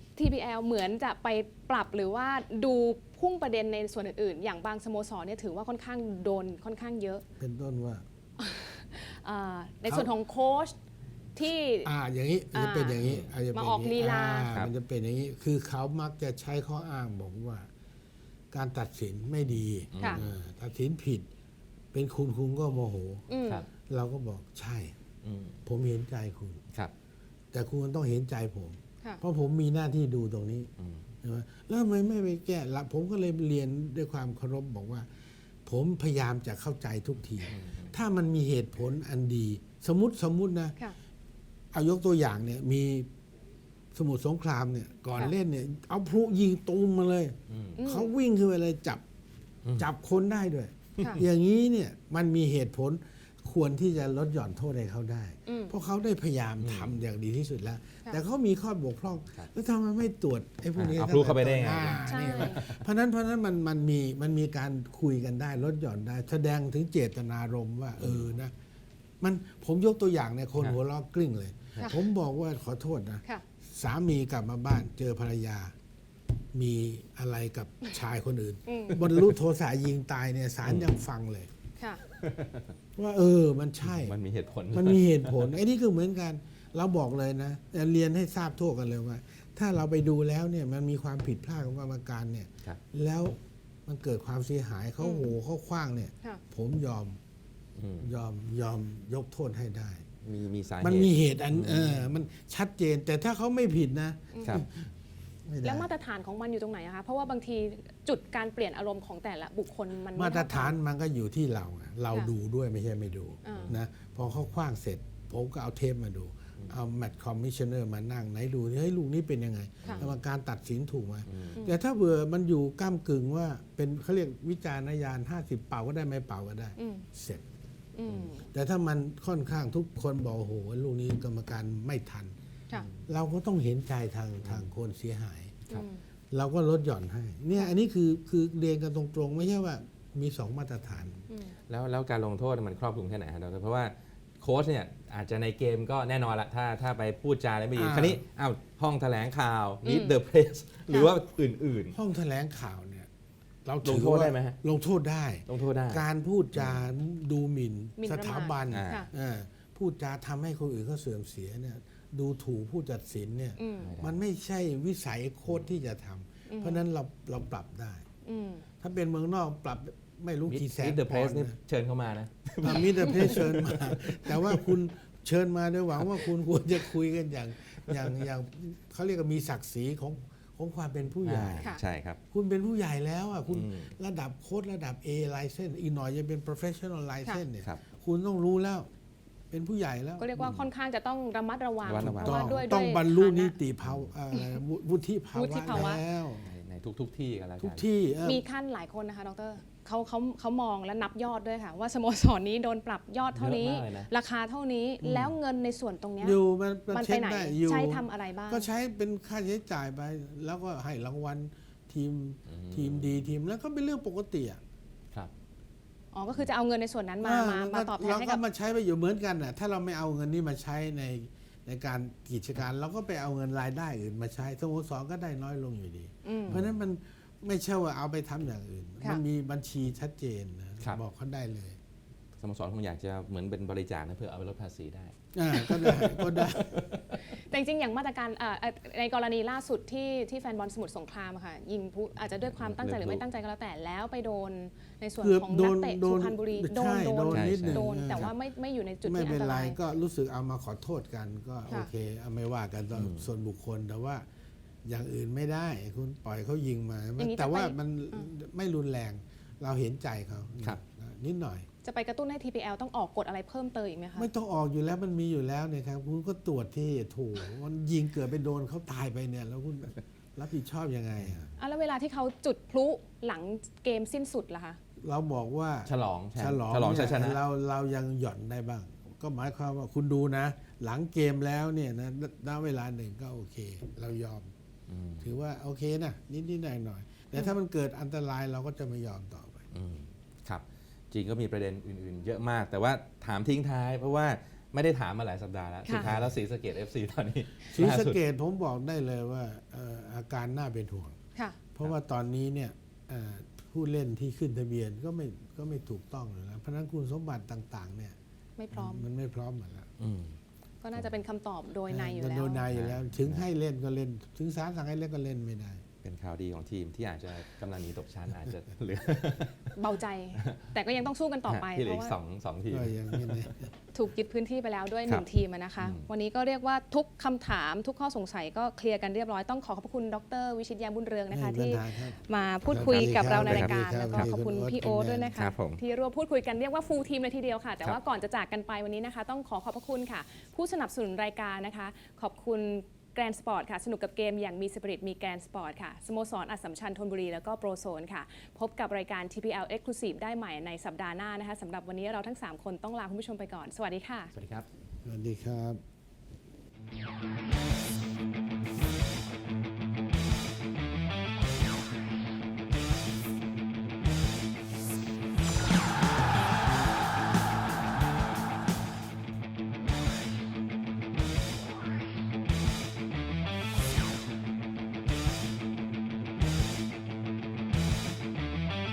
[SPEAKER 4] TPL เหมือนจะไปปรับหรือว่าดูพุ่งประเด็นในส่วนอื่นๆ อย่างบางสโมสรเนี่ยถือว่าค่อนข้างโดนค่อนข้างเยอะ
[SPEAKER 3] เป็นต้นว่า
[SPEAKER 4] ในส่วนของโค้ชที่
[SPEAKER 3] อย่างนี้จะเป็นอย่างนี้จะเป็น
[SPEAKER 4] มาออกลีลา
[SPEAKER 3] มันจะเป็นอย่างนี้ คือเขามักจะใช้ข้ออ้างบอกว่า การตัดสินไม่ดี
[SPEAKER 4] ค่ะ
[SPEAKER 3] ตัดสินผิด เป็นคุณก็โมโห
[SPEAKER 4] อืม
[SPEAKER 2] ครับ
[SPEAKER 3] เราก็บอกใช่
[SPEAKER 2] อืม
[SPEAKER 3] ผมเห็นใจคุณ
[SPEAKER 2] ครับ
[SPEAKER 3] แต่คุณต้องเห็นใจผม
[SPEAKER 4] ค่ะ
[SPEAKER 3] เพราะผมมีหน้าที่ดูตรงนี้
[SPEAKER 2] อืม
[SPEAKER 3] ใช่ไหมแล้วทำไมไม่ไปแก้ละผมก็เลยเรียนด้วยความเคารพบอกว่า ผมพยายามจะเข้าใจทุกที ถ้ามันมีเหตุผลอันดี สมมตินะ
[SPEAKER 4] ค่ะ
[SPEAKER 3] เอายกตัวอย่างเนี่ยมีสมุทรสงครามเนี่ยก่อน
[SPEAKER 4] ค่ะ
[SPEAKER 3] เล่นเนี่ยเอาพลุยิงตูมมาเลย
[SPEAKER 2] อืม
[SPEAKER 3] เขาวิ่งขึ้นไปเลยจับคนได้ด้วย
[SPEAKER 4] ค่ะ
[SPEAKER 3] อย่างนี้เนี่ยมันมีเหตุผลควรที่จะลดหย่อนโทษให้เขาได้
[SPEAKER 4] อืม
[SPEAKER 3] เพราะเขาได้พยายามทำอย่างดีที่สุดแล้ว
[SPEAKER 4] ค่ะ
[SPEAKER 3] แต่เขามีข้อบกพร่อง
[SPEAKER 2] ครับ
[SPEAKER 3] แล้วทำไมไม่ตรวจไอ้พวกนี้
[SPEAKER 2] เอาพลุเข้าไปได้ไง
[SPEAKER 3] อ่า
[SPEAKER 4] ใช่
[SPEAKER 3] นี่แหละเพราะฉะนั้นมันมีการคุยกันได้ลดหย่อนได้ แสดงถึงเจตนารมณ์ว่านะมันผมยกตัวอย่างเนี่ยคน
[SPEAKER 2] ครับ
[SPEAKER 3] หัวล้อกลิ้งเลย
[SPEAKER 4] ค่ะ
[SPEAKER 3] ผมบอกว่าขอโทษนะ
[SPEAKER 4] ค่ะ
[SPEAKER 3] สามีกลับมาบ้านเจอภรรยา มีอะไรกับชายคนอื่น
[SPEAKER 4] อืม
[SPEAKER 3] บรรลุโทสะยิงตายเนี่ยศาลยังฟังเลย
[SPEAKER 4] ค่ะ
[SPEAKER 3] ว่ามันใช่
[SPEAKER 2] มันมีเหตุผล
[SPEAKER 3] มันมีเหตุผลไอ้นี่คือเหมือนกันเราบอกเลยนะแต่เรียนให้ทราบทั่วกันเลยว่า ถ้าเราไปดูแล้วเนี่ยมันมีความผิดพลาดของกรรมการเนี่ย
[SPEAKER 2] ครับ
[SPEAKER 3] แล้วมันเกิดความเสียหายเขาโหเขาคว้างเนี่ย
[SPEAKER 4] ค่ะ
[SPEAKER 3] ผมยอม
[SPEAKER 2] อืม
[SPEAKER 3] ยอมยกโทษให้ได้
[SPEAKER 2] มีสาเหตุ
[SPEAKER 3] มันมีเหตุอันมันชัดเจน แต่ถ้าเขาไม่ผิดนะ
[SPEAKER 2] ครับ
[SPEAKER 3] ไม่ได้
[SPEAKER 4] แล้วมาตรฐานของมันอยู่ตรงไหนอะคะเพราะว่าบางทีจุดการเปลี่ยนอารมณ์ของแต่ละบุคคลมันไ
[SPEAKER 3] มาตรฐาน
[SPEAKER 4] เท่กั
[SPEAKER 3] มันก็อยู่ที่เราไงเรา
[SPEAKER 4] ค่ะ
[SPEAKER 3] ดูด้วยไม่ใช่ไม่ดู
[SPEAKER 4] อ่าน
[SPEAKER 3] นะพอเขาคว้างเสร็จ ผมก็เอาเทปมาดู เอาแมตช์คอมมิชเนอร์มานั่งไหนดูเฮ้ยลูกนี้เป็นยังไง
[SPEAKER 4] ค่ะ
[SPEAKER 3] กรรมการตัดสินถูกไหม
[SPEAKER 2] อืม
[SPEAKER 3] แต่ถ้าเบื่อมันอยู่ก้ามกึ่งว่าเป็นเขาเรียกวิจารณญาณ50 เป่าก็ได้ไม่เป่าก็ได้
[SPEAKER 4] อืม
[SPEAKER 3] เสร็จ
[SPEAKER 4] อืม
[SPEAKER 3] แต่ถ้ามันค่อนข้างทุกคนบอกโอ้โหลูกนี้กรรมการไม่ทัน
[SPEAKER 4] ค่ะ
[SPEAKER 3] เราก็ต้องเห็นใจทางคนเสียหาย
[SPEAKER 2] ครับ
[SPEAKER 4] อืม
[SPEAKER 3] เราก็ลดหย่อนให้เนี่ยอันนี้คือเรียนกันตรงๆ ไม่ใช่ว่ามี2มาตรฐาน
[SPEAKER 4] อืม
[SPEAKER 2] แล้วการลงโทษมันครอบคลุมแค่ไหนฮะดรเพราะว่าโค้ชเนี่ยอาจจะในเกมก็แน่นอนละถ้าไปพูดจาอะไรไม่ดี
[SPEAKER 3] อ่า
[SPEAKER 2] คราวนี้อ้าวห้องแถลงข่าว
[SPEAKER 4] อืม
[SPEAKER 2] meet the press หรือว่าอื่น
[SPEAKER 3] ห้องแถลงข่าวเนี่ยเรา
[SPEAKER 2] ลงโทษได้ไหมฮะ
[SPEAKER 3] ลงโทษได้
[SPEAKER 2] ๆ ลงโทษได้
[SPEAKER 3] การพูดจาดูหมิ่น
[SPEAKER 4] หมิ่น
[SPEAKER 3] ส
[SPEAKER 4] ประมาท
[SPEAKER 3] ถาบัน
[SPEAKER 2] อ่า
[SPEAKER 4] ค่ะ
[SPEAKER 3] พูดจาทำให้คนอื่นเขาเสื่อมเสียเนี่ยดูถูกผู้ตัดสินเนี่ย
[SPEAKER 4] อืม
[SPEAKER 3] มันไม่ใช่วิสัยโค้ชที่จะทำเพราะฉะนั้นเราปรับได้
[SPEAKER 4] อืม
[SPEAKER 3] ถ้าเป็นเมืองนอกปรับไม่รู้กี่แสน
[SPEAKER 2] meet the
[SPEAKER 3] ปอ
[SPEAKER 2] press
[SPEAKER 3] นด์
[SPEAKER 2] นี่
[SPEAKER 3] นะ
[SPEAKER 2] เชิญเข้ามานะ
[SPEAKER 3] มิเตอร์เพรสเชิญมา แต่ว่าคุณเชิญมาด้วยหวังว่าคุณควรจะคุยกันอย่างเขาเรียกว่ามีศักดิ์ศรีของความเป็นผู้ใหญ่
[SPEAKER 4] ค่ะ
[SPEAKER 2] ใช่ครับ
[SPEAKER 3] คุณเป็นผู้ใหญ่แล้วอ่ะคุณ
[SPEAKER 2] อืม
[SPEAKER 3] ระดับโค้ดระดับ A license อีกหน่อยจะเป็น professional license เนี่ย
[SPEAKER 2] ครับ
[SPEAKER 3] คุณต้องรู้แล้ว เป็นผู้ใหญ่แล้ว
[SPEAKER 4] ก็เรียกว่าค่อนข้างจะต้องระมัดระวัง
[SPEAKER 2] ระมัดระวัง
[SPEAKER 4] เพราะว่าด้วย
[SPEAKER 3] ต้องบรรลุ
[SPEAKER 4] ฐานะ
[SPEAKER 3] นิติภาวะวุฒิภา
[SPEAKER 4] วุ
[SPEAKER 3] วะ
[SPEAKER 4] ฒิภาวะ
[SPEAKER 3] แล้ว
[SPEAKER 2] ในทุกที่กันแล้วกัน
[SPEAKER 3] ทุกที่
[SPEAKER 4] มีขั้นหลายคนนะคะดรเขามองและนับยอดด้วยค่ะ ว่าสโมสรนี้โดนปรับยอดเท่านี้
[SPEAKER 2] เยอะมากเลยนะ
[SPEAKER 4] ราคาเท่านี้แล้วเงินในส่วนตรงเนี้ย
[SPEAKER 3] อยู่มัน
[SPEAKER 4] มัน
[SPEAKER 3] เช็
[SPEAKER 4] ไป
[SPEAKER 3] ค
[SPEAKER 4] ไหน
[SPEAKER 3] ได้อยู่
[SPEAKER 4] ใช้ทำอะไรบ้าง
[SPEAKER 3] ก็ใช้เป็นค่าใช้จ่ายไป แล้วก็ให้รางวัลทีมดีทีมแล้วก็เป็นเรื่องปกติอ่ะ
[SPEAKER 2] ครับ
[SPEAKER 4] อ๋อก็คือจะเอาเงินในส่วนนั้นมาตอบแทน
[SPEAKER 3] เรา
[SPEAKER 4] ให้
[SPEAKER 3] ก็
[SPEAKER 4] กับ
[SPEAKER 3] มาใช้ไปอยู่เหมือนกันน่ะถ้าเราไม่เอาเงินนี้มาใช้ในการกิจการเราก็ไปเอาเงินรายได้อื่นมาใช้สโมสรก็ได้น้อยลงอยู่ดี
[SPEAKER 4] อืม
[SPEAKER 3] เพราะฉะนั้นมันไม่ใช่ว่าเอาไปทำอย่างอื่น
[SPEAKER 4] ค่ะ
[SPEAKER 3] มันมีบัญชีชัดเจนนะครับ บอกเขาได้เลย
[SPEAKER 2] สโมสรคงอยากจะเหมือนเป็นบริจาคนะเพื่อเอาไปลดภาษีได้
[SPEAKER 3] ก็ได้ก็ได้
[SPEAKER 4] แต่จริงๆอย่างมาตรการในกรณีล่าสุดที่แฟนบอลสมุทรสงครามอะค่ะยิงผู้อาจจะด้วยความตั้งใจหรือไม่ตั้งใจก็แล้วแต่แล้วไปโดนในส่วน
[SPEAKER 3] เกือบ
[SPEAKER 4] ของ
[SPEAKER 3] โด
[SPEAKER 4] นัก
[SPEAKER 3] น
[SPEAKER 4] เตะ
[SPEAKER 3] โด
[SPEAKER 4] สุ
[SPEAKER 3] น
[SPEAKER 4] พรรณบุรี
[SPEAKER 3] ใช่โดนนิดหนึ่ง
[SPEAKER 4] โดนแต่ว่าไม่อยู่ในจุด
[SPEAKER 3] ไม่
[SPEAKER 4] ที่อั
[SPEAKER 3] เป็น
[SPEAKER 4] นต
[SPEAKER 3] ไร
[SPEAKER 4] ราย
[SPEAKER 3] ก็รู้สึกเอามาขอโทษกันก็
[SPEAKER 4] ค่ะ
[SPEAKER 3] โอเคเอาไม่ว่ากันส่วนบุคคลแต่ว่าอย่างอื่นไม่ได้ คุณปล่อยเขายิงมา
[SPEAKER 4] อย่างนี้
[SPEAKER 3] แต่ว่า
[SPEAKER 4] จะไป
[SPEAKER 3] มันไม่รุนแรง เราเห็นใจเขา
[SPEAKER 2] ครับ
[SPEAKER 3] นิดหน่อย
[SPEAKER 4] จะไปกระตุ้นให้ TPL ต้องออกกฎอะไรเพิ่มเติมอีกไหมคะ
[SPEAKER 3] ไม่ต้องออกอยู่แล้วมันมีอยู่แล้วเนี่ยครับคุณก็ตรวจที่ถูกมันยิงเกิดไปโดนเขาตายไปเนี่ย แล้วคุณรับผิดชอบยังไงอะ
[SPEAKER 4] แล้วเวลาที่เขาจุดพลุหลังเกมสิ้นสุดล่ะคะ
[SPEAKER 3] เราบอกว่า
[SPEAKER 2] ฉลองแชมป์
[SPEAKER 3] ฉลอง
[SPEAKER 2] ฉลองชัยชนะ
[SPEAKER 3] เนี่ยเรายังหย่อนได้บ้าง ก็หมายความว่าคุณดูนะ หลังเกมแล้วเนี่ยนะณเวลาหนึ่งก็โอเค เรายอม
[SPEAKER 2] อืม
[SPEAKER 3] ถือว่าโอเคนะนิดๆหน่อยๆแต่ถ้ามันเกิดอันตรายเราก็จะไม่ยอมต่อไป
[SPEAKER 2] อืมครับจริงก็มีประเด็นอื่นๆ เยอะมาก แต่ว่าถามทิ้งท้าย เพราะว่าไม่ได้ถามมาหลายสัปดาห์แล้ว
[SPEAKER 4] ค่ะ
[SPEAKER 2] สุดท้ายแล้วศรีสะเกษ FC ตอนนี้
[SPEAKER 3] ศรี
[SPEAKER 2] ล่า
[SPEAKER 3] สะ
[SPEAKER 2] สุด
[SPEAKER 3] เกดผมบอกได้เลยว่าอาการน่าเป็นห่วง
[SPEAKER 4] ค่ะ
[SPEAKER 3] เพราะว่าตอนนี้เนี่ยผู้เล่นที่ขึ้นทะเบียนก็ไม่ถูกต้องเลยนะเพราะฉะนั้นคุณสมบัติต่างๆเนี่ย
[SPEAKER 4] ไม่พร้อม
[SPEAKER 3] มันไม่พร้อมหมดแล้ว
[SPEAKER 2] อืม
[SPEAKER 4] ก็น่าจะเป็นคำตอบโดยในอยู่แล้ว
[SPEAKER 3] โดยในอยู่แล้ว ถึงให้เล่นก็เล่น ถึงศาลสั่งให้เล่นก็เล่นไม่ได้
[SPEAKER 2] เป็นข่าวดีของทีมที่อาจจะกำลังหนีตกชั้นอาจจะเหลือ
[SPEAKER 4] เบาใจ แต่ก็ยังต้องสู้กันต่อไป
[SPEAKER 2] ที่เหลื
[SPEAKER 4] เพ
[SPEAKER 2] อ
[SPEAKER 4] ราะ
[SPEAKER 2] อีก
[SPEAKER 4] ว่า
[SPEAKER 2] สองทีม
[SPEAKER 3] ก็ยังไม่แน่
[SPEAKER 4] ถูกยึดพื้นที่ไปแล้วด้วย
[SPEAKER 2] ครับ
[SPEAKER 4] 1 ทีมอะนะคะ วันนี้ก็เรียกว่าทุกคำถามทุกข้อสงสัยก็เคลียร์กันเรียบร้อยต้องขอขอบคุณดร.วิชิตยามบุญเรืองนะคะ
[SPEAKER 3] ไม่มี
[SPEAKER 4] ที่
[SPEAKER 3] ปัญหาครับ
[SPEAKER 4] มาพูดคุยกับเราในรายการ
[SPEAKER 3] ครั
[SPEAKER 4] แล้
[SPEAKER 3] บ
[SPEAKER 4] วก็ขอบคุณพี่โอ๊ตด้วยนะคะ
[SPEAKER 2] ครับผม
[SPEAKER 4] ที่ร่วมพูดคุยกันเรียกว่าฟูลทีมเลยทีเดียวค่ะ แต่
[SPEAKER 2] ครับ
[SPEAKER 4] ว่าก่อนจะจากกันไปวันนี้นะคะ ต้องขอบพระคุณค่ะ ผู้สนับสนุนรายการนะคะ ขอบคุณแกรนสปอร์ตค่ะสนุกกับเกมอย่างมีสปิริตมีแกรนสปอร์ตค่ะสโมสรอัสสัมชัญธนบุรีแล้วก็โปรโซนค่ะ พบกับรายการ TPL Exclusive ได้ใหม่ในสัปดาห์หน้านะคะสำหรับวันนี้เราทั้ง 3 คนต้องลาคุณผู้ชมไปก่อนสวัสดีค่ะ
[SPEAKER 2] สวัสดีครับ
[SPEAKER 3] สวัสดีครับ